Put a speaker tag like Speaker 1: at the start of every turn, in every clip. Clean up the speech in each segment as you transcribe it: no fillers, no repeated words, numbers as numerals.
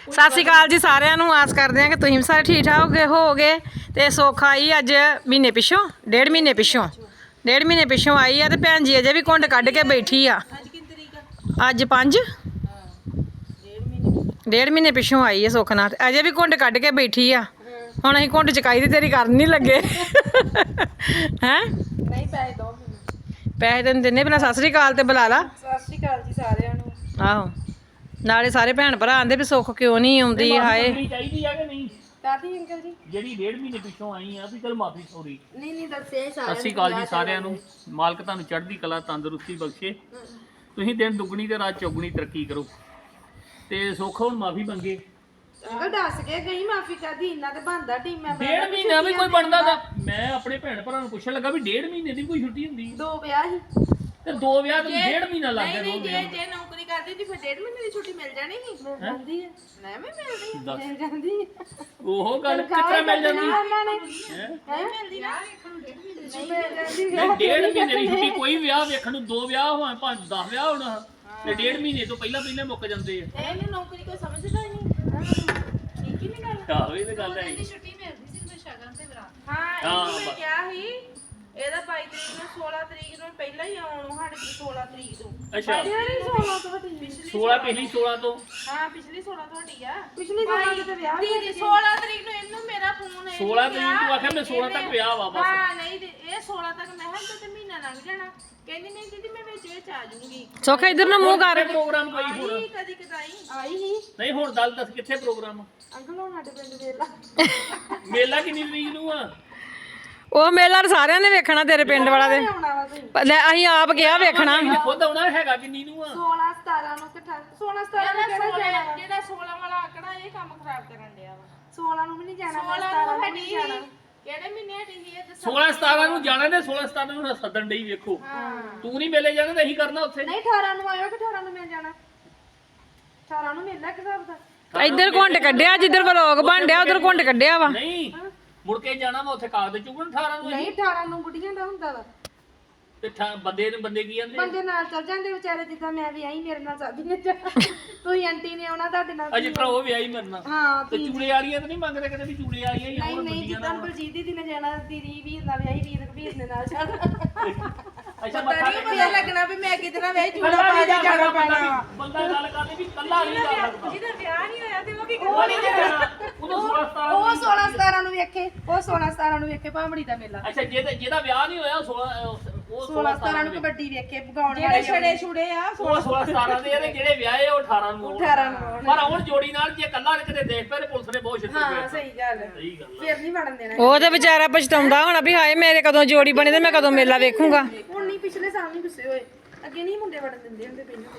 Speaker 1: ਸਤਿ ਸ਼੍ਰੀ ਅਕਾਲ ਜੀ ਸਾਰਿਆਂ ਨੂੰ। ਆਸ ਕਰਦੇ ਹਾਂ ਕਿ ਤੁਸੀਂ ਸਾਰੇ ਠੀਕ ਠਾਕ ਹੋਗੇ। ਤੇ ਸੁੱਖ ਆਈ ਅੱਜ ਮਹੀਨੇ ਪਿੱਛੋਂ, ਡੇਢ ਮਹੀਨੇ ਪਿੱਛੋਂ ਆਈ ਆ। ਤੇ ਭੈਣ ਜੀ ਅਜੇ ਵੀ ਘੁੰਡ ਕੱਢ ਕੇ ਬੈਠੀ ਆ। ਅੱਜ 5 ਡੇਢ ਮਹੀਨੇ ਪਿੱਛੋਂ ਆਈ ਆ ਸੁੱਖ ਨਾਲ, ਅਜੇ ਵੀ ਘੁੰਡ ਕੱਢ ਕੇ ਬੈਠੀ ਆ। ਹੁਣ ਅਸੀਂ ਘੁੰਡ ਚਕਾਈ ਦੀ ਤੇਰੀ ਕਰਨ ਨਹੀਂ ਲੱਗੇ ਹੈਂ।
Speaker 2: ਨਹੀਂ ਪੈਸੇ ਦੋ ਮੈਨੂੰ।
Speaker 1: ਪੈਸੇ ਤੈਨੂੰ ਦਿੰਨੇ, ਪਹਿਲਾਂ ਸਤਿ ਸ਼੍ਰੀ ਅਕਾਲ ਤੇ ਬੁਲਾ ਲਾ।
Speaker 2: ਸਤਿ ਸ਼੍ਰੀ ਅਕਾਲ ਜੀ ਸਾਰਿਆਂ ਨੂੰ।
Speaker 1: ਆਹੋ, ਨਾਲੇ ਸਾਰੇ ਭੈਣ ਭਰਾ ਆਂਦੇ ਵੀ ਸੁੱਖ ਕਿਉਂ ਨਹੀਂ ਆਉਂਦੀ। ਹਾਏ
Speaker 3: ਚਾਹੀਦੀ ਆ ਕਿ ਨਹੀਂ?
Speaker 2: ਕਾਦੀ ਅੰਕਲ ਜੀ?
Speaker 3: ਜਿਹੜੀ ਡੇਢ ਮਹੀਨੇ ਪਿੱਛੋਂ ਆਈ ਆ ਵੀ ਚਲ ਮਾਫੀ ਸੌਰੀ।
Speaker 2: ਨਹੀਂ ਦੱਸੇ ਸਾਰਿਆਂ
Speaker 3: ਸਤਿ ਸ਼੍ਰੀ ਅਕਾਲ ਜੀ ਸਾਰਿਆਂ ਨੂੰ। ਮਾਲਕ ਤੁਹਾਨੂੰ ਚੜ੍ਹਦੀ ਕਲਾ ਤੰਦਰੁਸਤੀ ਬਖਸ਼ੇ। ਤੁਸੀਂ ਦਿਨ ਦੁੱਗਣੀ ਤੇ ਰਾਤ ਚੌਗਣੀ ਤਰੱਕੀ ਕਰੋ। ਤੇ ਸੁੱਖ ਹੁਣ ਮਾਫੀ ਮੰਗੇ।
Speaker 2: ਅੰਕਲ ਦੱਸ ਕੇ ਗਈ ਮਾਫੀ ਕਾਦੀ, ਇੰਨਾ ਤੇ ਬੰਦਾ ਟੀਮ ਮੈਂਬਰ।
Speaker 3: ਡੇਢ ਮਹੀਨਾ ਵੀ ਕੋਈ ਬਣਦਾ ਤਾਂ ਮੈਂ ਆਪਣੇ ਭੈਣ ਭਰਾ ਨੂੰ ਪੁੱਛਣ ਲੱਗਾ ਵੀ ਡੇਢ ਮਹੀਨੇ ਦੀ ਕੋਈ ਛੁੱਟੀ ਹੁੰਦੀ?
Speaker 2: 2 ਵਿਆਹ ਸੀ
Speaker 3: ਤੇ 2 ਵਿਆਹ ਤੋਂ ਡੇਢ ਮਹੀਨਾ ਲੱਗ ਗਿਆ।
Speaker 2: ਜੇ ਨੌਕਰੀ ਕਰਦੀ ਤੇ ਫਿਰ 1.5 ਮਹੀਨੇ ਦੀ ਛੁੱਟੀ ਮਿਲ ਜਾਣੀ ਸੀ। ਮਿਲ ਜਾਂਦੀ ਹੈ ਨਾ, ਮੈਂ ਮਿਲ ਜਾਂਦੀ
Speaker 3: ਉਹ ਗੱਲ ਕਿੱਥੇ ਮਿਲ ਜਾਂਦੀ ਹੈ?
Speaker 2: ਮਿਲਦੀ ਨਾ,
Speaker 3: ਨਹੀਂ, ਡੇਢ ਮਹੀਨੇ ਦੀ ਛੁੱਟੀ ਕੋਈ ਵਿਆਹ ਵੇਖਣ ਨੂੰ 2 ਵਿਆਹ ਹੋਣ ਭਾਵੇਂ 10 ਵਿਆਹ ਹੋਣ ਤੇ ਡੇਢ ਮਹੀਨੇ ਤੋਂ ਪਹਿਲਾਂ ਮੁੱਕ ਜਾਂਦੇ ਆ।
Speaker 2: ਇਹ ਨੌਕਰੀ ਕੋਈ ਸਮਝਦਾ ਹੀ ਨਹੀਂ। ਠੀਕ ਹੀ ਨਹੀਂ ਗੱਲ।
Speaker 3: ਆਹੋ ਇਹ ਤਾਂ ਗੱਲ ਹੈ।
Speaker 2: ਛੁੱਟੀ ਮਿਲਦੀ ਸੀ ਸ਼ਗਨ ਤੇ ਬਰਾਤ। ਹਾਂ ਮੈਂ ਕਿਹਾ ਸੀ ਇਹਦਾ 22 ਤਰੀਕ ਨੂੰ 16 ਤਰੀਕ ਨੂੰ ਪਹਿਲਾਂ ਹੀ ਆਉਣ ਸਾਡੇ ਕੋਲ 16 ਤਰੀਕ ਨੂੰ।
Speaker 3: ਅੱਛਾ
Speaker 2: 16 ਤੋਂ ਵੱਡੀ
Speaker 3: 16 ਪਿਛਲੀ 16 ਤੋਂ।
Speaker 2: ਹਾਂ ਪਿਛਲੀ 16 ਤੋਂ ਵੱਡੀ ਆ। ਪਿਛਲੀ 16 ਤੋਂ ਵਿਆਹ ਦੀਦੀ 16 ਤਰੀਕ ਨੂੰ ਇਹਨੂੰ ਮੇਰਾ ਫੋਨ
Speaker 3: 16 ਤਰੀਕ ਨੂੰ ਆਖਿਆ ਮੈਂ 16 ਤੱਕ ਵਿਆਹ ਵਾ ਬਸ।
Speaker 2: ਹਾਂ ਨਹੀਂ ਇਹ 16 ਤੱਕ ਮੈਂ ਹਾਂ ਤੇ ਮਹੀਨਾ ਲੰਘ ਜਾਣਾ। ਕਹਿੰਦੀ ਨਹੀਂ ਦੀਦੀ ਮੈਂ ਵਿੱਚ ਆ ਜਾਊਂਗੀ।
Speaker 1: ਸੁੱਖ ਇਧਰ ਨੂੰ ਮੂੰਹ ਕਰ।
Speaker 3: ਪ੍ਰੋਗਰਾਮ ਕੋਈ ਹੋਰ
Speaker 2: ਕਦੀ ਕਦਾਈ ਆਈ ਹੀ
Speaker 3: ਨਹੀਂ। ਹੁਣ ਦੱਸ ਕਿੱਥੇ ਪ੍ਰੋਗਰਾਮ?
Speaker 2: ਅੰਕਲ ਹੁਣ ਸਾਡੇ ਪਿੰਡ ਵੇਲਾ
Speaker 3: ਮੇਲਾ ਕਿੰਨੀ ਤਰੀਕ ਨੂੰ ਆ?
Speaker 1: ਉਹ ਮੇਲਾ ਸਾਰਿਆਂ ਨੇ ਵੇਖਣਾ ਤੇਰੇ ਪਿੰਡ ਵਾਲਾ ਦੇ।
Speaker 2: ਆਉਣਾ ਵਾ ਤੁਸੀਂ
Speaker 1: ਲੈ ਅਸੀਂ ਆਪ ਗਿਆ ਵੇਖਣਾ।
Speaker 3: ਖੁਦ ਆਉਣਾ ਹੈਗਾ ਕਿੰਨੀ ਨੂੰ ਆ?
Speaker 2: 16 17 ਨੂੰ 16 17 ਨੂੰ ਜਿਹੜਾ 16 ਵਾਲਾ ਆਕੜਾ ਇਹ ਕੰਮ ਖਰਾਬ ਕਰਨ ਡਿਆ ਵਾ। 16 ਨੂੰ ਵੀ ਨਹੀਂ ਜਾਣਾ, 17 ਨੂੰ ਵੀ ਨਹੀਂ ਜਾਣਾ। ਕਿਹੜੇ ਮਹੀਨੇ ਹਟੀ ਸੀ ਇਹ?
Speaker 3: 16 17 ਨੂੰ ਜਾਣਾ ਤੇ 16 17 ਨੂੰ ਸੱਦਣ ਡਈ ਵੇਖੋ। ਤੂੰ ਨਹੀਂ ਮੇਲੇ ਜਾਣਾ ਤੇ ਅਸੀਂ ਕਰਨਾ ਉੱਥੇ।
Speaker 2: ਨਹੀਂ 18 ਨੂੰ ਆਇਓ ਕਿ 18 ਨੂੰ ਮਿਲ ਜਾਣਾ। 18 ਨੂੰ ਮੇਲਾ ਕਿ ਹਿਸਾਬ ਦਾ?
Speaker 1: ਇੱਧਰ ਘੁੰਡ ਕੱਢਿਆ, ਜਿੱਧਰ ਵਲੋਗ ਬਣ ਡਿਆ ਉਧਰ ਘੁੰਡ ਕੱਢਿਆ ਵਾ।
Speaker 3: ਨਹੀਂ ਮੁੜ ਕੇ ਜਾਣਾ ਵਾ ਉੱਥੇ ਕਾਗਜ਼ ਚੁੱਕਣ 18 ਨੂੰ।
Speaker 2: ਨਹੀਂ 18 ਨੂੰ ਬੁੱਢੀਆਂ ਦਾ ਹੁੰਦਾ ਵਾ।
Speaker 3: ਤੇ ਬੰਦੇ ਕੀ ਕਹਿੰਦੇ?
Speaker 2: ਬੰਦੇ ਨਾਲ ਚੱਲ ਜਾਂਦੇ ਵਿਚਾਰੇ, ਜਿੱਦਾਂ ਮੈਂ ਵੀ ਆਈ ਮੇਰੇ ਨਾਲ ਸਾਡੀ ਨੇ ਤੁਸੀਂ ਆਂਟੀ ਨੇ ਆਉਣਾ ਤੁਹਾਡੇ ਨਾਲ।
Speaker 3: ਅਜੇ ਭਰਾ ਉਹ ਵਿਆਹੀ ਮਰਨਾ।
Speaker 2: ਹਾਂ
Speaker 3: ਤੇ ਚੂੜੇ ਵਾਲੀਆਂ ਤਾਂ ਨਹੀਂ ਮੰਗਦੇ ਕਦੇ ਵੀ ਚੂੜੇ ਵਾਲੀਆਂ ਹੀ
Speaker 2: ਨਹੀਂ
Speaker 3: ਆਉਣ
Speaker 2: ਨਹੀਂ
Speaker 3: ਬੰਦੀਆਂ
Speaker 2: ਜਿੱਦਾਂ
Speaker 3: ਨਾਲ।
Speaker 2: ਬਲਜੀਤ ਦੀ ਨੇ ਜਾਣਾ, ਦੀਦੀ ਵੀਰ ਨਾਲ ਵਿਆਹੀ, ਵੀਰ ਕਬੀਰ ਨੇ ਨਾਲ ਜਾਣਾ।
Speaker 3: ਅੱਛਾ
Speaker 2: ਪਤਾ ਨਹੀਂ ਪਤਾ ਲੱਗਣਾ ਵੀ ਮੈਂ ਕਿਤਨਾ ਵਿਆਹੀ ਚੂੜਾ ਪਾ ਕੇ ਜਾਣਾ ਪੈਣਾ।
Speaker 3: ਬੰਦਾ ਗੱਲ ਕਰਦੇ ਵੀ ਕੱਲਾ ਨਹੀਂ ਜਾ ਸਕਦਾ।
Speaker 2: ਜਿਹਦਾ ਵਿਆਹ ਨਹੀਂ ਹੋਇਆ ਤੇ ਉਹ ਕੀ
Speaker 3: ਉਹ ਨਹੀਂ ਜਾਣਾ। ਉਹਨੂੰ 16 17
Speaker 2: ਉਹ 16 17 ਨੂੰ ਵੇਖੇ, ਉਹ 16 17 ਨੂੰ ਵੇਖੇ ਭਾਂਬੜੀ ਦਾ ਮੇਲਾ।
Speaker 3: ਅੱਛਾ ਜਿਹਦਾ ਵਿਆਹ ਨਹੀਂ ਹੋਇਆ ਉਹ
Speaker 2: 16 17 ਨੂੰ ਕਬੱਡੀ ਵੇਖੇ ਭਗਾਉਣ ਵਾਲੇ ਛੜੇ ਛੁੜੇ ਆ।
Speaker 3: ਉਹ 16 17 ਦੇ ਆ ਤੇ ਜਿਹੜੇ ਵਿਆਹੇ ਉਹ 18 ਨੂੰ
Speaker 2: 18 ਨੂੰ
Speaker 3: ਪਰ ਹੁਣ ਜੋੜੀ ਨਾਲ ਜੇ ਕੱਲਾ ਕਿਤੇ ਦੇਖ ਪਏ ਪੁਲਿਸ ਨੇ ਬਹੁਤ ਛਿੱਤਰ
Speaker 2: ਹਾਂ ਸਹੀ ਗੱਲ ਹੈ।
Speaker 3: ਸਹੀ ਗੱਲ
Speaker 2: ਫਿਰ ਨਹੀਂ ਵੜਨ ਦੇਣਾ।
Speaker 1: ਉਹ ਤੇ ਵਿਚਾਰਾ ਪਛਤਾਉਂਦਾ ਹੋਣਾ ਵੀ ਹਾਏ ਮੇਰੇ ਕਦੋਂ ਜੋੜੀ ਬਣੀ ਤੇ ਮੈਂ ਕਦੋਂ ਮੇਲਾ ਵੇਖੂੰਗਾ।
Speaker 2: ਹੁਣ ਨਹੀਂ, ਪਿਛਲੇ ਸਾਲ ਨਹੀਂ ਗੁੱਸੇ ਹੋਏ। ਅੱਗੇ ਨਹੀਂ ਮੁੰਡੇ ਵੜਨ ਦਿੰਦੇ ਹੁੰਦੇ ਪਹਿਲਾਂ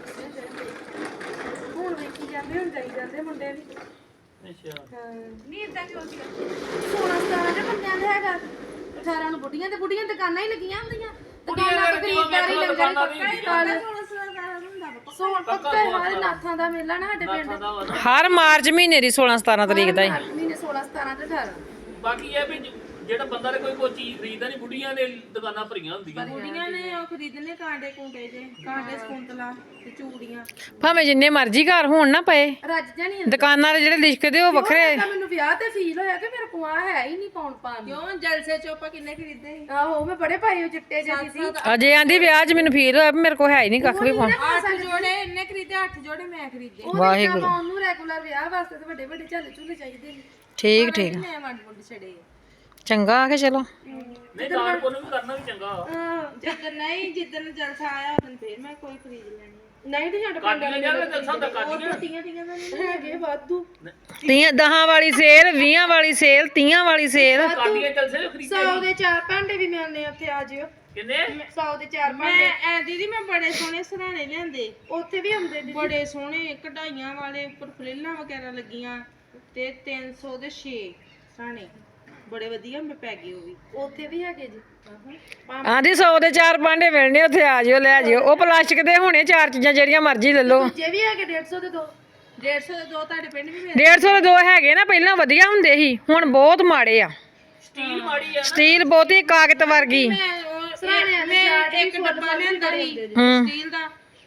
Speaker 2: ਹੁਣ ਵੇਖੀ ਜਾਂਦੇ, ਹੁਣ ਜਾਈ ਜਾਂਦੇ ਮੁੰਡੇ ਵੀ।
Speaker 3: ਅੱਛਾ
Speaker 2: ਹਾਂ ਨਹੀਂ ਇਦਾਂ ਕਿਉਂ ਸੀ? 16 17 ਦੇ ਬੰਦਿਆਂ ਦੇ ਹੈਗਾ, 18 ਨੂੰ ਬੁੱਢੀਆਂ ਤੇ ਬੁੱਢੀਆਂ ਦੁਕਾਨਾਂ ਹੀ ਲੱਗੀਆਂ ਹੁੰਦੀਆਂ। ਦੁਕਾਨਾਂ ਤੇ ਖਰੀਦਦਾਰੀ ਲੰਗਰ ਸੋਣ ਪੱਕਾ ਹਰ ਨਾਥਾਂ ਦਾ ਮੇਲਾ ਨਾ ਸਾਡੇ ਪਿੰਡ।
Speaker 1: ਹਰ ਮਾਰਚ ਮਹੀਨੇ ਦੀ 16 17 ਤਰੀਕ ਦਾ ਹੀ।
Speaker 2: ਮਹੀਨੇ 16 17 ਤੇ 18
Speaker 3: ਬਾਕੀ ਇਹ ਵੀ ਜਿਹੜਾ ਬੰਦਾ ਨੇ ਕੋਈ ਚੀਜ਼ ਖਰੀਦਦਾ ਨਹੀਂ, ਬੁੱਢੀਆਂ ਦੇ ਦੁਕਾਨਾਂ ਭਰੀਆਂ ਹੁੰਦੀਆਂ।
Speaker 2: ਬੁੱਢੀਆਂ ਨੇ ਉਹ ਖਰੀਦਣੇ ਕਾਂਡੇ ਕੁੰਡੇ ਜੇ, ਕਾਂਡੇ ਸਕੁੰਤਲਾ ਤੇ ਚੂੜੀਆਂ।
Speaker 1: ਭਾਵੇਂ ਜਿੰਨੇ ਮਰਜ਼ੀ ਘਰ ਹੋਣ ਨਾ ਪਏ,
Speaker 2: ਰੱਜ ਜਾਣੀ
Speaker 1: ਦੁਕਾਨਾਂ ਦੇ ਜਿਹੜੇ ਲਿਖਦੇ ਉਹ ਵੱਖਰੇ।
Speaker 2: ਮੈਨੂੰ ਵਿਆਹ ਤੇ ਫੀਲ ਹੋਇਆ ਕਿ ਮੇਰੇ ਕੋਲ ਆ ਹੈ ਹੀ ਨਹੀਂ ਪਾਉਣ ਪਾਣ। ਕਿਉਂ ਜਲਸੇ ਚੋਪਾ ਕਿੰਨੇ ਖਰੀਦੇ? ਆਹੋ ਮੈਂ ਬੜੇ ਪਾਏ ਉਹ ਚਿੱਟੇ ਜਿਹੇ ਸੀ।
Speaker 1: ਅਜੇ ਆਂਦੀ ਵਿਆਹ 'ਚ ਮੈਨੂੰ ਫੀਲ ਹੋਇਆ ਵੀ ਮੇਰੇ ਕੋਲ ਹੈ ਹੀ ਨਹੀਂ ਕੱਖ ਵੀ ਪਾਉਣ।
Speaker 2: 8 ਜੋੜੇ ਇਹਨੇ ਖਰੀਦੇ, 8 ਜੋੜੇ ਮੈਂ ਖਰੀਦੇ।
Speaker 1: ਵਾਹਿਗੁਰੂ।
Speaker 2: ਉਹਨੂੰ ਰੈਗੂਲਰ ਵਿਆਹ ਵਾਸਤੇ ਤੇ ਵੱਡੇ ਵੱਡੇ ਝਾਲੇ ਝੂਲੇ ਚਾਹੀਦੇ ਨੇ।
Speaker 1: ਠੀਕ ਠੀਕ
Speaker 2: ਮੈਂ ਵੰਡ ਵੰਡ ਛੜੇ
Speaker 1: ਚੰਗਾ ਆ ਕੇ ਚਲੋ।
Speaker 3: ਨਹੀਂ ਦਾਨ ਪੁੰਨ ਵੀ ਕਰਨਾ ਵੀ ਚੰਗਾ।
Speaker 2: ਜਿੱਦਣ ਜਲਸਾ ਆਇਆ ਉਦੋਂ ਫੇਰ ਮੈਂ ਕੋਈ ਖਰੀਦ ਲੈਣੀ। ਨਹੀਂ ਤੇ ਛੱਡ
Speaker 3: ਕਾਟੀਆਂ ਜਾਂਦੇ ਜਲਸਾ ਹੁੰਦਾ ਕਾਟੀਆਂ।
Speaker 2: ਟੀਆਂ ਟੀਆਂ ਦਾ ਨਹੀਂ ਹੈਗੇ ਵਾਧੂ।
Speaker 1: 10 ਵਾਲੀ ਸੇਲ, 20 ਵਾਲੀ ਸੇਲ, 30 ਵਾਲੀ ਸੇਲ।
Speaker 3: ਕਾਟੀਆਂ ਜਲਸੇ ਖਰੀਦੇ
Speaker 2: 100 ਦੇ 4 ਭਾਂਡੇ ਵੀ ਮਿਲਨੇ ਉੱਥੇ, ਆ ਜਿਓ।
Speaker 3: ਕਿੰਨੇ?
Speaker 2: 100 ਦੇ 4 ਭਾਂਡੇ। ਐ ਦੀਦੀ ਮੈਂ ਬੜੇ ਸੋਹਣੇ ਸਰਾਣੇ ਲਿਆਂਦੇ, ਉੱਥੇ ਵੀ ਹੁੰਦੇ ਦੀਦੀ ਬੜੇ ਸੋਹਣੇ ਕਢਾਈਆਂ ਵਾਲੇ, ਉੱਪਰ ਫਲੇਲਾਂ ਵਗੈਰਾ ਲੱਗੀਆਂ ਤੇ 300 ਦੇ 6 ਸਰਾਣੇ ਬੜੇ ਵਧੀਆ ਮੈਂ ਪੈ ਗਏ। ਉਹ ਵੀ ਉੱਥੇ ਵੀ ਹੈਗੇ ਜੀ।
Speaker 1: ਆਂਦੀ 100 ਦੇ 4 ਭਾਂਡੇ ਮਿਲਣੇ ਉੱਥੇ, ਆ ਜਿਓ ਲੈ ਜਿਓ। ਉਹ ਪਲਾਸਟਿਕ ਦੇ ਹੋਣੇ 4 ਚੀਜ਼ਾਂ ਜਿਹੜੀਆਂ ਮਰਜ਼ੀ ਲੈ ਲਓ।
Speaker 2: ਜੇ ਵੀ ਹੈਗੇ 150 ਦੇ 2, 150 ਦੇ 2 ਤੁਹਾਡੇ ਪਿੰਡ ਵੀ
Speaker 1: 150 ਦੇ 2 ਹੈਗੇ ਨਾ, ਪਹਿਲਾਂ ਵਧੀਆ ਹੁੰਦੇ ਸੀ, ਹੁਣ ਬਹੁਤ ਮਾੜੇ ਆ।
Speaker 3: ਸਟੀਲ ਮਾੜੀ ਆ।
Speaker 1: ਸਟੀਲ ਬਹੁਤੀ ਕਾਗਜ਼ ਵਰਗੀ।
Speaker 2: ਮੈਂ ਇੱਕ ਡੱਬਾ ਲਿਆਂਦਾ ਸੀ
Speaker 1: ਹੂੰ
Speaker 2: ਸਟੀਲ ਦਾ,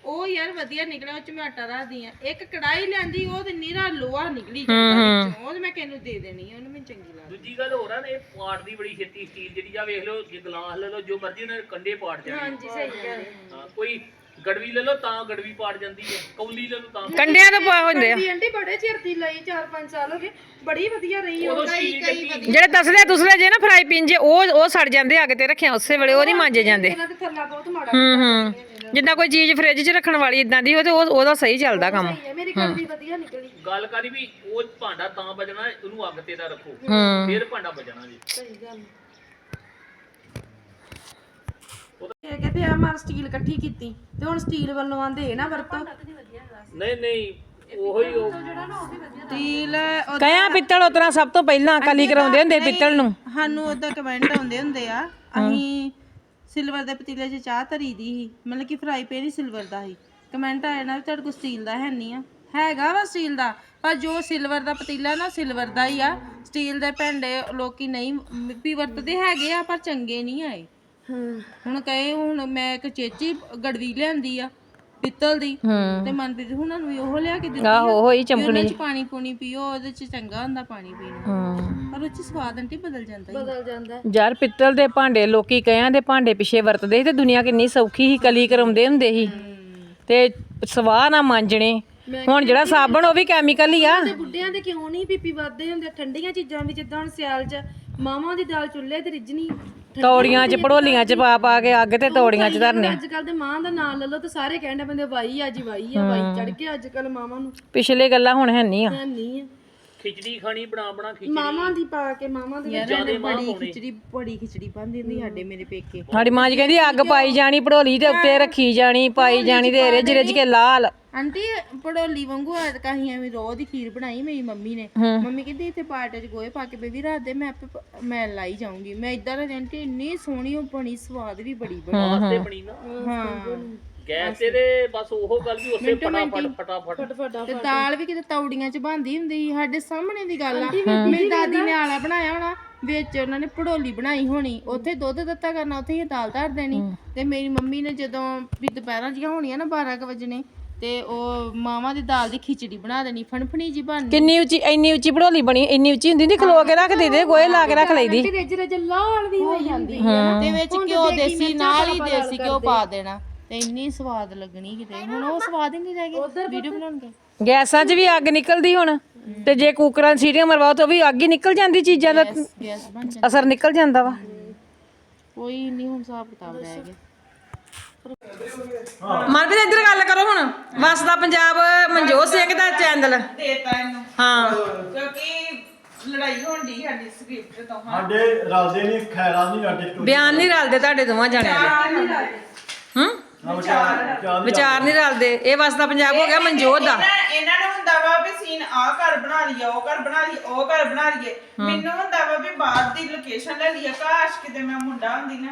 Speaker 2: ਉਹ ਯਾਰ ਵਧੀਆ ਨਿਕਲਿਆ, ਉਹ ਚ ਮੈਂ ਆਟਾ ਰੱਖਦੀ ਆ। ਇੱਕ ਕੜਾਈ ਲੈਂਦੀ, ਉਹ ਤੇ ਨੀਰਾ ਲੋਹਾ ਨਿਕਲੀ ਜਾਂਦਾ ਵਿੱਚੋਂ, ਉਹ ਤੇ ਮੈਂ ਕਿਹਨੂੰ ਦੇ ਦੇਣੀ ਆ, ਉਹਨੂੰ ਮੈਨੂੰ ਚੰਗੀ ਲੱਗਦੀ।
Speaker 3: ਦੂਜੀ ਗੱਲ ਹੋਰ ਆ ਨੇ, ਇਹ ਪਾੜਦੀ ਬੜੀ ਛੇਤੀ ਸਟੀਲ ਜਿਹੜੀ ਆ, ਵੇਖ ਲਓ ਜੇ ਗਲਾਸ ਲੈ ਲਓ ਜੋ ਮਰਜ਼ੀ ਉਹਨਾਂ ਦੇ ਕੰਡੇ ਪਾੜ ਜਾਣੇ।
Speaker 2: ਹਾਂਜੀ ਸਹੀ ਗੱਲ।
Speaker 3: ਹਾਂ, ਕੋਈ ਗੜਵੀ ਲੈ ਲਓ ਤਾਂ ਗੜਵੀ ਪਾੜ ਜਾਂਦੀ ਹੈ, ਕੌਲੀ ਲੈ ਲਓ ਤਾਂ।
Speaker 1: ਕੰਡਿਆਂ ਤੋਂ ਪਾ ਹੁੰਦੇ ਆ
Speaker 2: ਆਂਟੀ ਬੜੇ ਚਿਰ ਦੀ ਲਈ, 4-5 ਸਾਲ ਹੋ ਗਏ, ਬੜੀ ਵਧੀਆ ਰਹੀ ਉਹ।
Speaker 3: ਉਦੋਂ ਸਟੀਲ ਚੱਕੀ
Speaker 1: ਜਿਹੜੇ ਤਸਲੇ ਜੇ ਨਾ ਫਰਾਈ ਪਿੰਨ ਜੇ ਉਹ ਸੜ ਜਾਂਦੇ ਅੱਗ ਤੇ ਰੱਖਿਆ ਉਸੇ ਵੇਲੇ, ਉਹ ਨਹੀਂ ਮਾਂਜੇ ਜਾਂਦੇ।
Speaker 2: ਇਹਨਾਂ ਦੇ ਥੱਲਾ ਬਹੁਤ ਮਾੜਾ
Speaker 1: ਹੂੰ ਜਿੱਦਾਂ ਕੋਈ ਚੀਜ਼ ਫ੍ਰਿਜ 'ਚ ਰੱਖਣ ਵਾਲੀ ਇਦਾਂ ਦੀ ਹੋ ਤੇ ਉਹਦਾ ਸਹੀ ਚੱਲਦਾ ਕੰਮ।
Speaker 2: ਹੈ। ਮੇਰੀ ਕੜਵੀ ਵਧੀਆ ਨਿਕਲੀ।
Speaker 3: ਗੱਲ ਕਰੀ ਵੀ ਉਹ ਭਾਂਡਾ ਤਾਂ ਬਜਣਾ, ਉਹਨੂੰ ਅੱਗ ਤੇ ਦਾ ਰੱਖੋ
Speaker 1: ਹੂੰ
Speaker 3: ਫਿਰ ਭਾਂਡਾ ਬਜਣਾ ਜੀ।
Speaker 2: ਸਹੀ ਗੱਲ। ਇਹ ਕਹਿੰਦੇ ਆ ਮਾਰ ਸਟੀਲ ਇਕੱਠੀ ਕੀਤੀ ਤੇ ਹੁਣ ਸਟੀਲ ਵੱਲੋਂ ਆਂਦੇ ਨਾ ਵਰਤੋ।
Speaker 3: ਨਹੀਂ ਉਹੀ ਉਹ
Speaker 2: ਸਟੀਲ
Speaker 1: ਕਹਿਆ ਪਿੱਤਲ ਉਤਰਾ ਸਭ ਤੋਂ ਪਹਿਲਾਂ ਕਲੀ ਕਰਾਉਂਦੇ ਹੁੰਦੇ ਪਿੱਤਲ ਨੂੰ।
Speaker 2: ਸਾਨੂੰ ਉਹਦਾ ਕਮੈਂਟ ਆਉਂਦੇ ਹੁੰਦੇ ਆ। ਅਸੀਂ ਸਿਲਵਰ ਦੇ ਪਤੀਲੇ 'ਚ ਚਾਹ ਧਰੀ ਦੀ ਸੀ, ਮਤਲਬ ਕਿ ਫਰਾਈ ਪੈਨ ਹੀ ਸਿਲਵਰ ਦਾ ਸੀ। ਕਮੈਂਟ ਆਇਆ ਨਾ ਵੀ ਤੁਹਾਡੇ ਕੋਲ ਸਟੀਲ ਦਾ ਹੈ ਨਹੀਂ ਆ, ਹੈਗਾ ਵਾ ਸਟੀਲ ਦਾ, ਪਰ ਜੋ ਸਿਲਵਰ ਦਾ ਪਤੀਲਾ ਨਾ ਸਿਲਵਰ ਦਾ ਹੀ ਆ। ਸਟੀਲ ਦੇ ਭਾਂਡੇ ਲੋਕੀ ਨਹੀਂ ਵੀ ਵਰਤਦੇ ਹੈਗੇ ਆ, ਪਰ ਚੰਗੇ ਨਹੀਂ ਆਏ। ਹੁਣ ਕਹੇ ਹੁਣ ਮੈਂ ਇੱਕ ਚੇਚੀ ਗੜਵੀ ਲਿਆਂਦੀ ਆ ਪਿੱਤਲ ਦੀ, ਤੇ ਮਨਪ੍ਰੀਤ ਹੁਣਾਂ ਨੂੰ ਵੀ ਉਹ ਲਿਆ ਕੇ ਦਿੱਤੀ।
Speaker 1: ਆਹੋ ਉਹੀ
Speaker 2: ਉਹਦੇ ਚ ਪਾਣੀ ਪੂਣੀ ਪੀਓ, ਉਹਦੇ ਚ ਚੰਗਾ ਹੁੰਦਾ ਪਾਣੀ ਪੀਣਾ, ਪਰ ਉਹ ਚ ਸਵਾਦ ਆਂਟੀ ਬਦਲ ਜਾਂਦਾ।
Speaker 1: ਯਾਰ ਪਿੱਤਲ ਦੇ ਭਾਂਡੇ ਲੋਕੀ ਕਹਿਆਂ ਦੇ ਭਾਂਡੇ ਪਿੱਛੇ ਵਰਤਦੇ ਸੀ ਤੇ ਦੁਨੀਆ ਕਿੰਨੀ ਸੌਖੀ ਸੀ, ਕਲੀ ਕਰਾਉਂਦੇ ਹੁੰਦੇ ਸੀ ਤੇ ਸਵਾਹ ਨਾ ਮਾਂਜਣੇ। ਹੁਣ ਜਿਹੜਾ ਸਾਬਣ ਉਹ ਵੀ ਕੈਮੀਕਲ ਹੀ ਆ।
Speaker 2: ਬੁੱਢਿਆਂ ਦੇ ਕਿਉਂ ਨਹੀਂ ਬੀਪੀ ਵੱਧਦੇ ਹੁੰਦੇ ਠੰਡੀਆਂ ਚੀਜ਼ਾਂ ਵੀ, ਜਿੱਦਾਂ ਹੁਣ ਸਿਆਲ ਚ ਮਾਵਾਂ ਦੀ ਦਾਲ ਚੁੱਲ੍ਹੇ ਤੇ ਰਿੱਝਣੀ,
Speaker 1: ਤੌੜੀਆਂ 'ਚ ਭੜੋਲੀਆਂ 'ਚ ਪਾ ਕੇ ਅੱਗ ਤੇ ਤੌੜੀਆਂ 'ਚ ਧਰਨੇ।
Speaker 2: ਅੱਜ ਕੱਲ ਦੇ ਮਾਂ ਦਾ ਨਾਂ ਲੈ ਲਓ ਤੇ ਸਾਰੇ ਕਹਿੰਦੇ ਬੰਦੇ ਵਾਈ ਆ ਜੀ, ਵਾਈ ਆ, ਵਾਈ ਚੜ ਕੇ ਅੱਜ ਕੱਲ ਮਾਵਾਂ ਨੂੰ
Speaker 1: ਪਿਛਲੇ ਗੱਲਾਂ ਹੁਣ ਹੈ ਨਹੀਂ ਆ।
Speaker 2: ਨਹੀਂ ਆ।
Speaker 3: ਖਿਚੜੀ ਖਾਣੀ ਬਣਾ ਖਿਚੜੀ
Speaker 2: ਮਾਵਾਂ ਦੀ ਪਾ ਕੇ, ਮਾਵਾਂ ਦੀ ਬੜੀ ਖਿਚੜੀ ਬਣਦੀ ਹੁੰਦੀ ਸਾਡੇ ਮੇਰੇ ਪੇਕੇ।
Speaker 1: ਸਾਡੀ ਮਾਂ ਜੀ ਕਹਿੰਦੀ ਅੱਗ ਪਾਈ ਜਾਣੀ ਭੜੋਲੀ ਦੇ ਉੱਤੇ ਰੱਖੀ ਜਾਣੀ, ਪਾਈ ਜਾਣੀ ਤੇ ਰਿੱਝ ਰਿੱਝ ਕੇ ਲਾਲ।
Speaker 2: ਆਂਟੀ ਪੜੋਲੀ ਵਾਂਗੂ ਅਸੀਂ ਐਵੇਂ ਰੋਹ ਦੀ ਖੀਰ ਬਣਾਈ ਮੇਰੀ ਮੰਮੀ ਨੇ। ਮੰਮੀ ਕਹਿੰਦੀ ਇੱਥੇ ਪਾਟੇ 'ਚ ਗੋਹੇ ਪਾ ਕੇ ਬੇਬੀ ਰਾਤ ਦੇ ਮੈਂ ਆਪੇ ਮੈਂ ਲਾਈ ਜਾਊਂਗੀ। ਮੈਂ ਇਦਾਂ ਦਾ ਆਂਟੀ ਇੰਨੀ ਸੋਹਣੀ ਉਹ ਬਣੀ, ਸਵਾਦ ਵੀ ਬੜੀ ਬਣੀ।
Speaker 3: ਵਾਸਤੇ ਬਣੀ ਨਾ
Speaker 2: ਹਾਂ
Speaker 3: ਗੈਸ ਤੇ ਬਸ ਉਹ ਗੱਲ ਵੀ ਉਸੇ ਫਟਾਫਟ
Speaker 2: ਤੇ ਦਾਲ ਵੀ ਕਿਤੇ ਤੌੜੀਆਂ 'ਚ ਬਣਦੀ ਹੁੰਦੀ ਸੀ ਸਾਡੇ ਸਾਹਮਣੇ ਦੀ ਗੱਲ ਆ। ਮੇਰੀ ਦਾਦੀ ਨੇ ਆਲਾ ਬਣਾਇਆ ਹੋਣਾ, ਵਿੱਚ ਉਹਨਾਂ ਨੇ ਭੜੋਲੀ ਬਣਾਈ ਹੋਣੀ, ਉੱਥੇ ਦੁੱਧ ਦਿੱਤਾ ਕਰਨਾ, ਉੱਥੇ ਹੀ ਦਾਲ ਧਰ ਦੇਣੀ। ਤੇ ਮੇਰੀ ਮੰਮੀ ਨੇ ਜਦੋਂ ਵੀ ਦੁਪਹਿਰਾਂ ਜੀਆਂ ਹੋਣੀਆਂ ਨਾ 12 ਵਜੇ ਤੇ ਉਹ ਮਾਵਾਂ ਦੀ ਦਾਲ ਦੀ ਖਿਚੜੀ ਬਣਾ ਦੇਣੀ, ਫਣਫਣੀ ਜੀ ਬਣਨੀ।
Speaker 1: ਕਿੰਨੀ ਉੱਚੀ, ਇੰਨੀ ਉੱਚੀ ਭੜੋਲੀ ਬਣੀ, ਇੰਨੀ ਉੱਚੀ ਹੁੰਦੀ, ਖਲੋ ਕੇ ਰੱਖ ਦੇ ਗੋਹੇ ਲਾ ਕੇ ਰੱਖ ਲਈਦੀ।
Speaker 2: ਰਿੱਜ ਲਾਲ ਵੀ ਹੋ ਜਾਂਦੀ ਤੇ ਵਿੱਚ ਘਿਓ ਦੇਸੀ ਨਾਲ ਹੀ ਦੇਸੀ ਘਿਓ ਪਾ ਦੇਣਾ ਤੇ ਇੰਨੀ ਸਵਾਦ ਲੱਗਣੀ ਕਿਤੇ। ਹੁਣ ਉਹ ਸਵਾਦ ਹੀ ਨਹੀਂ ਰਹਿ ਗਿਆ ਵੀਡੀਓ ਬਣਾਉਣ ਕੇ।
Speaker 1: ਗੈਸਾਂ 'ਚ ਵੀ ਅੱਗ ਨਿਕਲਦੀ ਹੁਣ, ਤੇ ਜੇ ਕੁੱਕਰਾਂ 'ਚ ਸੀਟੀਆਂ ਮਰਵਾਓ ਤਾਂ ਵੀ ਅੱਗ ਹੀ ਨਿਕਲ ਜਾਂਦੀ, ਚੀਜ਼ਾਂ ਦਾ
Speaker 2: ਗੈਸ ਬਣ ਜਾਂਦੀ,
Speaker 1: ਅਸਰ ਨਿਕਲ ਜਾਂਦਾ ਵਾ।
Speaker 2: ਕੋਈ ਨਹੀਂ ਹੁਣ ਹਿਸਾਬ ਕਿਤਾਬ ਰਹਿ ਗਿਆ।
Speaker 1: ਮਨਪ੍ਰੀਤ ਇੱਧਰ ਗੱਲ ਕਰੋ ਹੁਣ। ਵਸਦਾ ਪੰਜਾਬ ਮਨਜੋਤ ਸਿੰਘ ਦਾ ਚੈਨਲ
Speaker 4: ਦੇਤਾ ਇਹਨੂੰ
Speaker 1: ਹਾਂ,
Speaker 4: ਕਿਉਂਕਿ ਲੜਾਈ ਹੋਣ ਦੀ ਸਾਡੀ ਸਕ੍ਰਿਪਟ ਤੋਂ।
Speaker 5: ਸਾਡੇ ਰਲਦੇ ਨਹੀਂ, ਖੈਰਾ ਨਹੀਂ ਸਾਡੇ ਤੋਂ।
Speaker 1: ਬਿਆਨ ਨਹੀਂ ਰਲਦੇ ਤੁਹਾਡੇ ਦੋਵਾਂ ਜਾਣਿਆਂ ਦੇ। ਹੂੰ ਵਿਚਾਰ ਨਹੀਂ ਰਲਦੇ। ਇਹ ਵਸਦਾ ਪੰਜਾਬ ਹੋ ਗਿਆ ਮਨਜੋਤ ਦਾ।
Speaker 4: ਇਹਨਾਂ ਨੂੰ ਹੁੰਦਾ ਵਾ ਵੀ ਸੀਨ ਆਹ ਘਰ ਬਣਾ ਲਈਏ, ਉਹ ਘਰ ਬਣਾ ਲਈਏ, ਉਹ ਘਰ ਬਣਾ ਲਈਏ। ਮੈਨੂੰ ਹੁੰਦਾ ਵਾ ਵੀ ਬਾਹਰ ਦੀ ਲੋਕੇਸ਼ਨ ਲੈ ਲਈਏ, ਕਾਸ਼ ਕਿਤੇ ਮੈਂ ਮੁੰਡਾ ਹੁੰਦੀ ਨਾ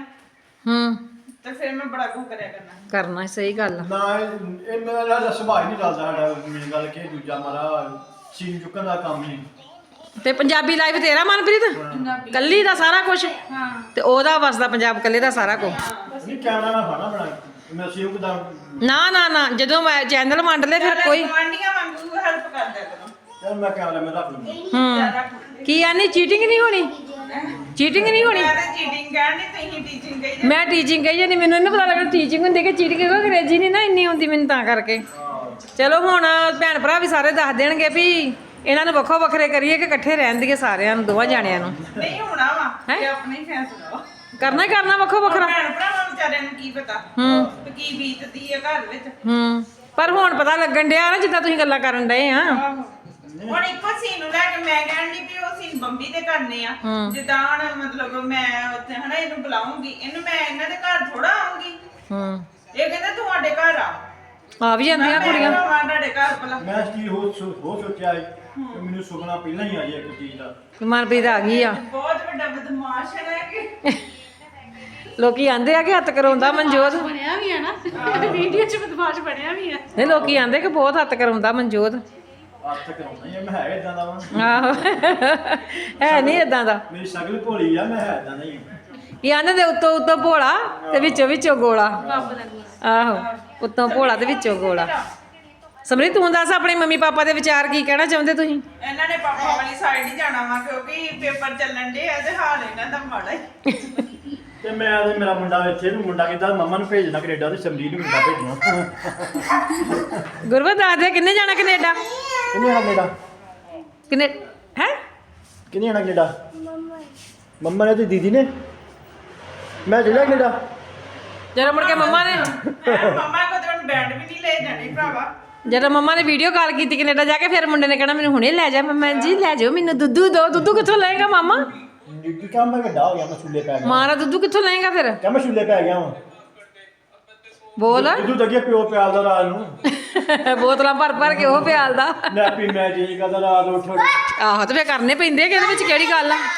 Speaker 4: ਤੇ ਫਿਰ ਮੈਂ ਬੜਾ ਕੁਝ ਕਰਿਆ
Speaker 1: ਕਰਨਾ। ਸਹੀ ਗੱਲ ਆ।
Speaker 5: ਨਾ ਇਹ ਮੇਰਾ ਦਾ ਸੁਭਾਅ ਹੀ ਨਹੀਂ ਰਲਦਾ ਸਾਡਾ। ਮੇਨ ਗੱਲ ਕਿ ਦੂਜਾ ਮਾਰਾ ਸੀਨ ਚੁੱਕਣ ਦਾ ਕੰਮ ਹੀ।
Speaker 1: ਤੇ ਪੰਜਾਬੀ ਲਾਈਫ ਤੇਰਾ ਮਨਪ੍ਰੀਤ ਕੱਲੀ ਦਾ ਸਾਰਾ ਕੁਝ, ਤੇ ਉਹਦਾ ਵਸਦਾ ਪੰਜਾਬ ਕੱਲੇ ਦਾ ਸਾਰਾ ਕੁਝ।
Speaker 5: ਨਹੀਂ ਕੈਮਰਾ ਮੈਂ ਫਾਣਾ ਬਣਾ ਮੈਂ ਸੀਨ ਕਿਦਾਂ
Speaker 1: ਨਾ ਜਦੋਂ ਮੈਂ ਚੈਨਲ ਵੰਡ ਲੈ ਫਿਰ ਕੋਈ
Speaker 4: ਗਵਾਂਢੀਆਂ ਵਾਂਗੂ ਹੈਲਪ ਕਰ ਦਿਆ ਕਰੋ।
Speaker 5: ਯਾਰ ਮੈਂ ਕੈਮਰਾ ਮੈਂ ਰੱਖ ਲੂੰਗਾ।
Speaker 1: ਕੀ ਆਨੀ ਚੀਟਿੰਗ ਨਹੀਂ ਹੋਣੀ, ਚੀਟਿੰਗ ਨਹੀਂ ਹੋਣੀ।
Speaker 4: ਮੈਂ ਤਾਂ ਚੀਟਿੰਗ ਕਹਿਣੀ, ਤੁਸੀਂ ਟੀਚਿੰਗ ਕਹੀ।
Speaker 1: ਮੈਂ ਟੀਚਿੰਗ ਕਹੀ ਜਾਂਦੀ, ਮੈਨੂੰ ਨਹੀਂ ਪਤਾ ਲੱਗਦਾ ਟੀਚਿੰਗ ਹੁੰਦੀ ਕਿ ਚੀਟਿੰਗ, ਕਿਉਂਕਿ ਅੰਗਰੇਜ਼ੀ ਨਹੀਂ ਨਾ ਇੰਨੀ ਹੁੰਦੀ ਮੈਨੂੰ, ਤਾਂ ਕਰਕੇ। ਚਲੋ ਹੁਣ ਭੈਣ ਭਰਾ ਵੀ ਸਾਰੇ ਦੱਸ ਦੇਣਗੇ ਵੀ ਇਹਨਾਂ ਨੂੰ ਵੱਖੋ ਵੱਖਰੇ ਕਰੀਏ ਕਿ ਇਕੱਠੇ ਰਹਿਣ ਦੀਏ ਸਾਰਿਆਂ ਨੂੰ, ਦੋਵਾਂ ਜਾਣਿਆਂ ਨੂੰ।
Speaker 4: ਨਹੀਂ ਹੋਣਾ ਵਾ ਇਹ ਆਪਣਾ ਹੀ ਫੈਸਲਾ ਵਾ।
Speaker 1: ਕਰਨਾ ਹੀ ਕਰਨਾ ਵੱਖੋ ਵੱਖਰਾ।
Speaker 4: ਭੈਣ ਭਰਾਵਾਂ ਵਿਚਾਰਿਆਂ ਨੂੰ ਕੀ ਪਤਾ ਵੀ ਕੀ ਬੀਤਦੀ ਹੈ ਘਰ ਵਿੱਚ।
Speaker 1: ਪਰ ਹੁਣ ਪਤਾ ਲੱਗਣ ਡਿਆ ਨਾ, ਜਿੱਦਾਂ ਤੁਸੀਂ ਗੱਲਾਂ ਕਰਨ ਡਏ ਆ।
Speaker 4: ਹੁਣ ਇੱਕੋ ਸੀਨ ਨੂੰ ਲੈ ਕੇ ਮੈਂ ਕਹਿਣ ਦੀ ਵੀ ਉਹ ਸੀਨ ਬੰਬੀ ਦੇ ਕਰਨੇ ਆ। ਜਿੱਦਾਂ ਹੁਣ ਮਤਲਬ ਮੈਂ ਉੱਥੇ ਹਨਾ ਇਹਨੂੰ ਬੁਲਾਉਂਗੀ, ਇਹਨੂੰ ਮੈਂ ਇਹਨਾਂ ਦੇ ਘਰ ਥੋੜਾ ਆਉਂਗੀ। ਇਹ ਕਹਿੰਦਾ ਤੁਹਾਡੇ ਘਰ
Speaker 1: ਆ ਵੀ ਜਾਂਦੀਆਂ ਕੁੜੀਆਂ।
Speaker 4: ਮੈਂ ਤੁਹਾਡੇ ਘਰ ਭਲਾ
Speaker 5: ਮੈਂ ਸਟੀਲ ਹੋ ਸੋਚਿਆ ਕਿ ਮੈਨੂੰ ਸੁਪਨਾ ਪਹਿਲਾਂ ਹੀ ਆ ਜਾਏ ਇੱਕ ਚੀਜ਼ ਦਾ।
Speaker 1: ਮਨਪ੍ਰੀਤ ਆ ਗਈ ਆ।
Speaker 4: ਬਹੁਤ ਵੱਡਾ ਬਦਮਾਸ਼ ਹੈ ਕਿ
Speaker 1: ਲੋਕੀ ਆਂਦੇ ਆ ਕਿ ਹੱਥ ਕਰਾਉਂਦਾ ਮਨਜੋਤ।
Speaker 2: ਬਣਿਆ ਵੀ ਆ ਨਾ ਵੀਡੀਓ 'ਚ ਬਦਮਾਸ਼ ਬਣਿਆ ਵੀ ਆ।
Speaker 1: ਨਹੀਂ ਲੋਕੀ ਆਂਦੇ ਕਿ ਬਹੁਤ ਹੱਥ ਕਰਾਉਂਦਾ ਮਨਜੋਤ।
Speaker 5: ਹੱਥ ਕਰਾਉਣਾ ਹੀ ਆ, ਮੈਂ ਹੈ ਇਦਾਂ ਦਾ ਵਾ।
Speaker 1: ਆਹੋ ਹੈ ਨਹੀਂ ਇਦਾਂ ਦਾ।
Speaker 5: ਮੇਰੀ ਸ਼ਕਲ ਭੋਲੀ ਆ, ਮੈਂ ਹੈ ਇਦਾਂ ਦਾ ਹੀ।
Speaker 1: ਇਹ ਆਂਦੇ ਦੇ ਉੱਤੋਂ ਭੋਲਾ ਤੇ ਵਿੱਚੋਂ ਗੋਲਾ। ਆਹੋ ਉੱਤੋਂ ਭੋਲਾ ਤੇ ਵਿੱਚੋਂ ਗੋਲਾ। ਸਮਰੀ ਤੂੰ ਦੱਸ ਆਪਣੇ ਮੰਮੀ ਪਾਪਾ ਦੇ ਵਿਚਾਰ ਕੀ ਕਹਿਣਾ ਚਾਹੁੰਦੇ ਤੁਸੀਂ?
Speaker 4: ਇਹਨਾਂ ਨੇ ਪਾਪਾ ਵਾਲੀ ਸਾਈਡ ਹੀ ਜਾਣਾ ਵਾ ਕਿਉਂਕਿ ਪੇਪਰ ਚੱਲਣ ਦੇ ਆ ਤੇ ਹਾਲ ਇਹਨਾਂ ਦਾ ਮਾੜਾ ਹੀ।
Speaker 5: ਤੇ ਮੈਂ ਤੇ ਮੇਰਾ ਮੁੰਡਾ ਇੱਥੇ ਨੂੰ ਮੁੰਡਾ ਕਹਿੰਦਾ ਮੰਮਾ ਨੂੰ ਭੇਜਣਾ ਕੈਨੇਡਾ ਤੇ ਸਮਰੀਤ ਨੂੰ ਮੁੰਡਾ ਭੇਜਣਾ।
Speaker 1: ਗੁਰਵਤ ਦੱਸ ਦੇ ਕਿੰਨੇ ਜਾਣਾ ਕੈਨੇਡਾ?
Speaker 5: ਕਿੰਨੇ ਆਣਾ ਕੈਨੇਡਾ?
Speaker 1: ਕਿੰਨੇ ਹੈ?
Speaker 5: ਕਿੰਨੇ ਆਣਾ ਕੈਨੇਡਾ? ਮੰਮਾ ਨੇ ਤੇ ਦੀਦੀ ਨੇ। ਮੈਂ ਚਲਿਆ ਕੈਨੇਡਾ।
Speaker 1: ਜਦੋਂ ਮੁੜ ਕੇ ਮੰਮਾ ਨੇ
Speaker 4: ਮਮਾ ਕੋ ਤੇ ਹੁਣ ਬੈਂਡ ਵੀ ਨਹੀਂ ਲੈ ਜਾਣੀ ਭਰਾਵਾ।
Speaker 1: ਜਦੋਂ ਮੰਮਾ ਨੇ ਵੀਡੀਓ ਕਾਲ ਕੀਤੀ ਕੈਨੇਡਾ ਜਾ ਕੇ, ਫਿਰ ਮੁੰਡੇ ਨੇ ਕਹਿਣਾ ਮੈਨੂੰ ਹੁਣੇ ਲੈ ਜਾ। ਮੰਮਾ ਜੀ ਲੈ ਜਾਓ ਮੈਨੂੰ ਦੁੱਧੂ ਦੋ। ਦੁੱਧੂ ਕਿੱਥੋਂ ਲਏਗਾ ਮਾਮਾ?
Speaker 5: ਕੀ ਕੰਮ ਮੈਂ ਵੱਡਾ ਹੋ ਗਿਆ ਮੈਂ ਛੁੱਲੇ ਪੈ ਗਿਆ।
Speaker 1: ਮਾਂ ਦਾ ਦੁੱਧੂ ਕਿੱਥੋਂ ਲਏਗਾ ਫਿਰ?
Speaker 5: ਕਿਆ ਮੈਂ ਛੁੱਲੇ ਪੈ ਗਿਆ ਵਾਂ।
Speaker 1: ਬੋਲ।
Speaker 5: ਦੁੱਧ ਅੱਗੇ ਪਿਓ ਪਿਆਲਦਾ ਰਾਤ ਨੂੰ।
Speaker 1: ਬੋਤਲਾਂ ਭਰ ਭਰ ਕੇ ਉਹ ਪਿਆਲਦਾ।
Speaker 5: ਨੈਪੀ ਮੈਂ ਜੀ ਕਰਦਾ ਰਾਤ ਉੱਠ
Speaker 1: ਆਹੋ ਤੇ ਫੇਰ ਕਰਨੇ ਪੈਂਦੇ ਆ ਕਿ ਇਹਦੇ ਵਿੱਚ ਕਿਹੜੀ ਗੱਲ ਆ?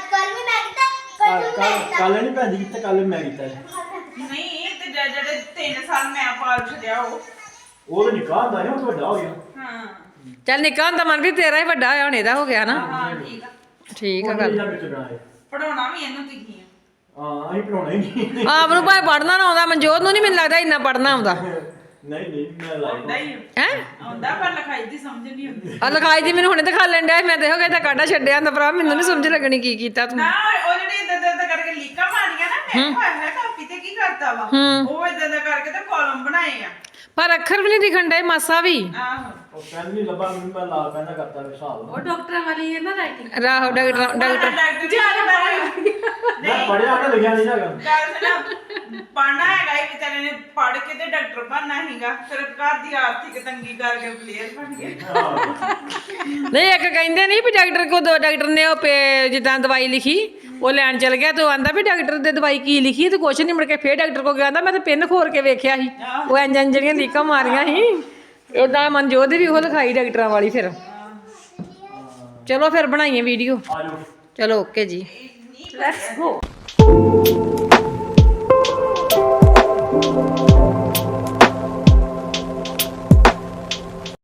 Speaker 5: ਕੱਲ ਨਹੀਂ ਭੈਣ ਜੀ ਕੀਤਾ, ਕੱਲ ਮੈਂ ਕੀਤਾ ਜੀ।
Speaker 4: ਨਹੀਂ ਤੇ ਜਿਹੜੇ 3 ਸਾਲ ਮੈਂ ਪਾਲ ਛੱਡਿਆ
Speaker 5: ਉਹ ਤਾਂ ਨਿਕਾਹ ਹੁੰਦਾ ਨਾ, ਉਹ ਤਾਂ ਵੱਡਾ ਹੋ ਗਿਆ।
Speaker 4: ਹਾਂ
Speaker 1: ਚੱਲ ਨਿੱਕਾ ਹੁੰਦਾ ਮਨ ਵੀ ਤੇਰਾ ਹੀ ਵੱਡਾ ਹੋਇਆ ਹੁਣ ਇਹਦਾ ਹੋ ਗਿਆ ਨਾ।
Speaker 4: ਹਾਂ ਠੀਕ ਆ।
Speaker 1: ਠੀਕ ਆ
Speaker 5: ਉਹ
Speaker 1: ਗੱਲ।
Speaker 5: ਜਿਹੜਾ ਵਿੱਚ ਬਣਾਏ।
Speaker 4: ਪੜਾਉਣਾ ਵੀ ਇਹਨੂੰ ਤੁਸੀਂ ਆ।
Speaker 5: ਹਾਂ ਅਸੀਂ ਪੜਾਉਣਾ ਹੀ ਨਹੀਂ।
Speaker 1: ਆਪ ਨੂੰ ਭਾਵੇਂ ਪੜਨਾ ਨਾ ਆਉਂਦਾ, ਮਨਜੋਤ ਨੂੰ ਨਹੀਂ ਮੈਨੂੰ ਲੱਗਦਾ ਇੰਨਾ ਪੜਨਾ ਆਉਂਦਾ
Speaker 5: ਨਹੀਂ ਮੈਂ
Speaker 4: ਆਉਂਦਾ
Speaker 5: ਲਾਇਆ।
Speaker 4: ਹੀ
Speaker 1: ਹੈ।
Speaker 4: ਆਉਂਦਾ ਪਰ ਲਿਖਾਈ ਦੀ ਸਮਝ ਨਹੀਂ ਆਉਂਦੀ।
Speaker 1: ਆ ਲਿਖਾਈ ਦੀ ਮੈਨੂੰ ਹੁਣੇ ਦਿਖਾ ਲੈਣ ਡਿਆ ਸੀ, ਮੈਂ ਦੇਖੋ ਤਾਂ ਕਾਢਾ ਛੱਡਿਆ ਹੁੰਦਾ ਭਰਾ, ਮੈਨੂੰ ਨਹੀਂ ਸਮਝ ਲੱਗਣੀ ਕੀ ਕੀਤਾ ਤੂੰ।
Speaker 4: ਨਾ ਉਹ ਜਿਹੜੀ ਇਦਾਂ ਕਰਕੇ ਲੀਕਾਂ ਮਾਰੀਆਂ ਨਾ, ਮੈਂ ਕਿਹਾ ਹੈ ਕਾਪੀ ਤੇ ਕੀ ਕਰਤਾ ਵਾ। ਉਹ ਇਦਾਂ ਕਰਕੇ ਤੇ ਕਾਲਮ ਬਣਾਏ ਆ।
Speaker 1: ਪਰ ਅੱਖਰ ਵੀ ਨਹੀਂ ਦਿਖਣ ਡਏ ਮਾਸਾ ਵੀ।
Speaker 4: ਆਹੋ
Speaker 5: ਉਹ ਪੈਨ ਨਹੀਂ ਲੱਭਾ ਮੈਨੂੰ, ਮੈਂ ਲਾਲ ਪੈਨ ਨਾਲ ਕਰਤਾ ਵੇ ਹਿਸਾਬ।
Speaker 1: ਰਾਹੋ ਡਾਕਟਰ
Speaker 4: ਡਾਕਟਰ ਜੀ
Speaker 5: ਮੈਂ ਪੜਿਆ ਤਾਂ ਲਿਖਿਆ ਨਹੀਂ ਹੈਗਾ।
Speaker 4: ਗੱਲ ਸੁਣਾ, ਪੜ੍ਹਨਾ ਹੈਗਾ ਇਹ ਵਿਚਾਰੇ ਨੇ, ਪੜ੍ਹ ਕੇ ਤੇ ਡਾਕਟਰ ਬਣਨਾ ਸੀਗਾ, ਫਿਰ ਘਰ ਦੀ ਆਰਥਿਕ ਤੰਗੀ ਕਰਕੇ ਪਲੇਅਰ ਬਣ ਗਿਆ।
Speaker 1: ਨਹੀਂ ਇੱਕ ਕਹਿੰਦੇ ਨਹੀਂ ਵੀ ਡਾਕਟਰ ਕੋ ਡਾਕਟਰ ਨੇ ਉਹ ਜਿੱਦਾਂ ਦਵਾਈ ਲਿਖੀ ਉਹ ਲੈਣ ਚਲ ਗਿਆ ਤੇ ਉਹ ਆਂਦਾ ਵੀ ਡਾਕਟਰ ਦੇ ਦਵਾਈ ਕੀ ਲਿਖੀ ਤੇ ਕੁਛ ਨਹੀਂ, ਮੁੜ ਕੇ ਫੇਰ ਡਾਕਟਰ ਕੋ ਗਿਆ, ਆਂਦਾ ਮੈਂ ਤਾਂ ਪਿੰਨ ਖੋਰ ਕੇ ਵੇਖਿਆ ਸੀ, ਉਹ ਇੰਜ ਜਿਹੜੀਆਂ ਲੀਕਾਂ ਮਾਰੀਆਂ ਸੀ ਉਦਾਂ ਮਨਜੋਤ ਦੀ ਵੀ ਉਹ ਲਿਖਾਈ ਡਾਕਟਰਾਂ ਵਾਲੀ। ਫਿਰ ਚਲੋ ਫਿਰ ਬਣਾਈਏ ਵੀਡੀਓ।
Speaker 5: ਆ ਜਾਓ।
Speaker 1: ਚਲੋ ਓਕੇ ਜੀ, ਲੈਟਸ ਗੋ।